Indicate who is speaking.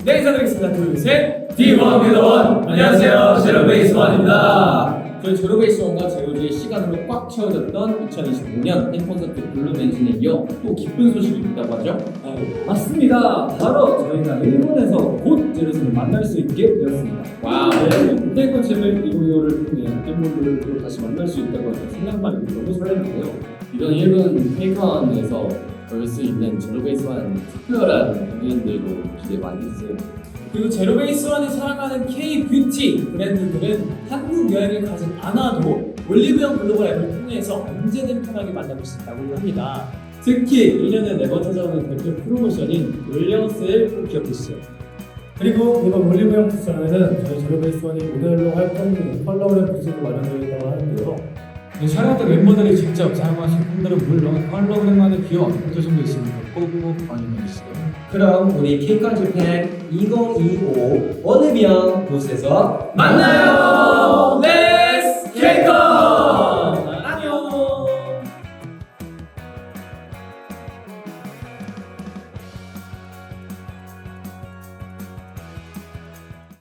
Speaker 1: 네, 인사드리겠습니다. 둘, 셋.
Speaker 2: D1 미더원. 안녕하세요, 제로베이스1입니다.
Speaker 1: 저희 제로베이스1과 제로지의 시간으로 꽉 채워졌던 2025년 팬콘서트 블루맨진에 이어 또 기쁜 소식이 있다고 하죠?
Speaker 3: 맞습니다. 바로 저희가 일본에서 곧 제로스를 만날 수 있게 되었습니다.
Speaker 1: 와우.
Speaker 3: 네, 콘셉트 이거를 통해 팬분들을 또 다시 만날 수 있다고 해서 생각만 해도 너무 설레는데요.
Speaker 2: 이런 일본 팬콘에서 볼 수 있는 제로베이스1 특별한 공연들도 기대 많이 했어요.
Speaker 1: 그리고 제로베이스1이 사랑하는 K-뷰티 브랜드들은 한국 여행을 가지 않아도 올리브영 글로벌 앱을 통해서 언제든 편하게 만나볼 수 있다고 합니다.
Speaker 3: 특히 1년에 4번 찾아오는 대표 프로모션인 올영 세일 꼭 기억해주세요.
Speaker 4: 그리고 이번 올리브영 패션에는 저희 제로베이스1이 모델로 활동 중인 컬러그램 부스도 마련되어 있다고 하는데요.
Speaker 5: 촬영 때 멤버들이 직접 사용하신 폰들은 물론 홀로그램만의 귀여운 포토존도 있으니까 꼭꼭 확인해주세요.
Speaker 6: 그럼 우리 K-콘 재팬 2025 올리브영 부스에서
Speaker 2: 만나요!